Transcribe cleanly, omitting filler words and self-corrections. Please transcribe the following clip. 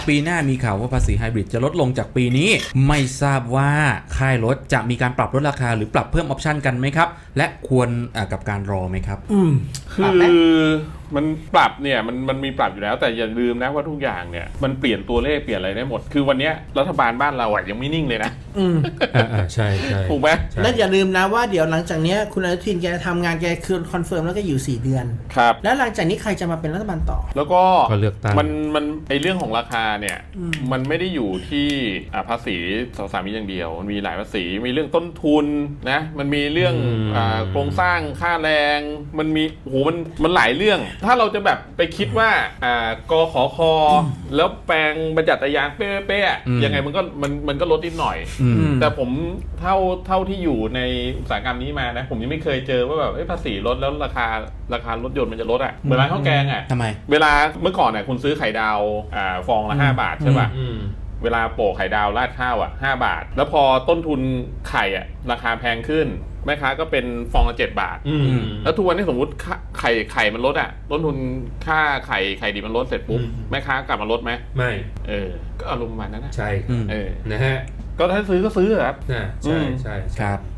ปีหน้ามีข่าวว่าภาษีไฮบริดจะลดลงจากปีนี้ไม่ทราบว่าค่ายรถจะมีการปรับลดราคาหรือปรับเพิ่มออปชันกันไหมครับและควรกับการรอไหมครับคือมันปรับเนี่ยมันมีปรับอยู่แล้วแต่อย่าลืมนะว่าทุกอย่างเนี่ยมันเปลี่ยนตัวเลขเปลี่ยนอะไรได้หมดคือวันนี้รัฐบาลบ้านเราอ่ะยังไม่นิ่งเลยนะใช่ใช่ถูกไหมและอย่าลืมนะว่าเดี๋ยวหลังจากนี้คุณอนุทินแกทำงานแกคือคอนเฟิร์มแล้วก็อยู่4 เดือนครับแล้วหลังจากนี้ใครจะมาเป็นรัฐบาลต่อแล้วก็เลือกตั้งมันไอเรื่องของราคาเนี่ยมันไม่ได้อยู่ที่ภาษีสามีอย่างเดียวมันมีหลายภาษีมีเรื่องต้นทุนนะมันมีเรื่องโครงสร้างค่าแรงมันมีโหมันหลายเรื่องถ้าเราจะแบบไปคิดว่ากขคแล้วแปลงบรรยัติยางเป๊ะๆยังไงมันก็ลดนิดหน่อยแต่ผมเท่าที่อยู่ในอุตสาหกรรมนี้มานะผมยังไม่เคยเจอว่าแบบภาษีลดแล้วราคารถยนต์มันจะลดเหมือนร้านข้าวแกงทำไมเวลาเมื่อก่อนคุณซื้อไข่ดาวฟองละ5 บาทใช่ป่ะเวลาโปะไข่ดาวราดข้าว5 บาทแล้วพอต้นทุนไข่ราคาแพงขึ้นแม่ค้าก็เป็นฟองละ7 บาทแล้วทุกวันนี้สมมุติไข่มันลดต้นทุนค่าไข่ดิบมันลดเสร็จปุ๊บแม่ค้ากลับมาลดไหมไม่ก็อารมณ์ประมาณนั้นนะใช่นะฮะก็ถ้าซื้อก็ซื้อครับใช่ครับ